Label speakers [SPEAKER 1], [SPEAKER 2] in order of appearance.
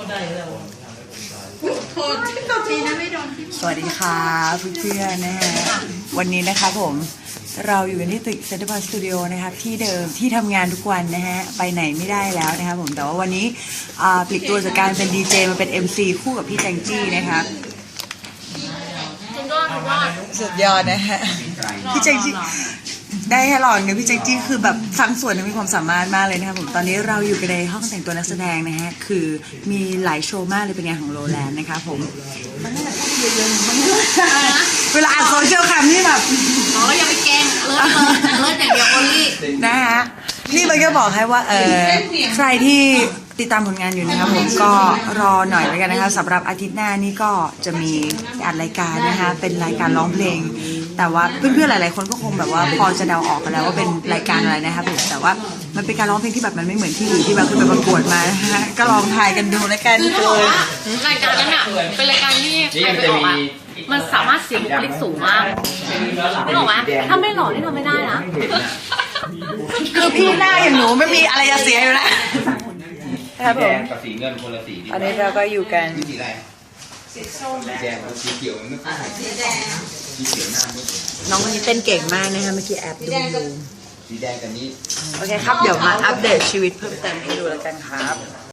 [SPEAKER 1] สวัสดีค่ะเพื่อนๆนะฮะวันนี้นะครับผมเราอยู่กันที่ตึกเซ็นทรัลพาร์คสตูดิโอนะครับที่เดิมที่ทำงานทุกวันนะฮะไปไหนไม่ได้แล้วนะครับผมแต่ว่าวันนี้ปลีกตัวจากการเป็นดีเจมาเป็น MC คู่กับพี่แจงจี้นะครับสุดยอดนะฮะพี่แจงจี้ได้ให้ลองเนี่ยพี่แจงจี้คือแบบฟังส่วนมีความสามารถมากเลยนะครับผมตอนนี้เราอยู่กันในห้องแต่งตัวนักแสดงนะฮะคือมีหลายโชว์มากเลยเป็นงานของโรแลนด์นะครับผมมันน่าจะต้องเยอะๆมันเวลาอ่านโซเชียลแคมนี่แบบ
[SPEAKER 2] อย่าไปแกล้งเลิศอย่างเดียวโอลี่
[SPEAKER 1] นะฮะนี่มันก็บอกให้ว่าใครที่ติดตามผลงานอยู่นะครับผมก็รอหน่อยแล้วกันนะคะสำหรับอาทิตย์หน้านี่ก็จะมีอัดรายการนะคะเป็นรายการร้องเพลงแต่ว่าเพื่อนๆหลายๆคนก็คงแบบว่าพอจะเดาออกกันแล้วว่าเป็นรายการอะไรนะครับผมแต่ว่ามันเป็นการร้องเพลงที่แบบมันไม่เหมือนที่อื่นที่แบบคือไปประกวดมานะฮะก็ลองทายกันดูแล้วกัน
[SPEAKER 2] รายการนั้นอ่ะเป็นรายการที่ใครไปออกอ่ะมันสามารถเสียงบุคลิกสูงมากไม่บอกว่าถ้าไม่หล่อนี่ทำไม่ได้นะ
[SPEAKER 1] คือพี่หน้าอย่างหนูไม่มีอะไรจะเสียอยู่แล้วครับผม
[SPEAKER 3] กับสีเงินคนละสี
[SPEAKER 1] อันนี้เราก็อยู่กัน
[SPEAKER 3] สีอะไรสีส้มแดงกับสีเขียวมันไม่ค่อยสีแดงสีเขียวหน้าไม่
[SPEAKER 1] น้องคนนี้เต้นเก่งมากนะคะเมื่อกี้แอบดูอยู่
[SPEAKER 3] สีแดงกับนี้
[SPEAKER 1] โอเคครับเดี๋ยวมาอัปเดตชีวิตเพิ่มเติมให้ดูแล้วกันครับ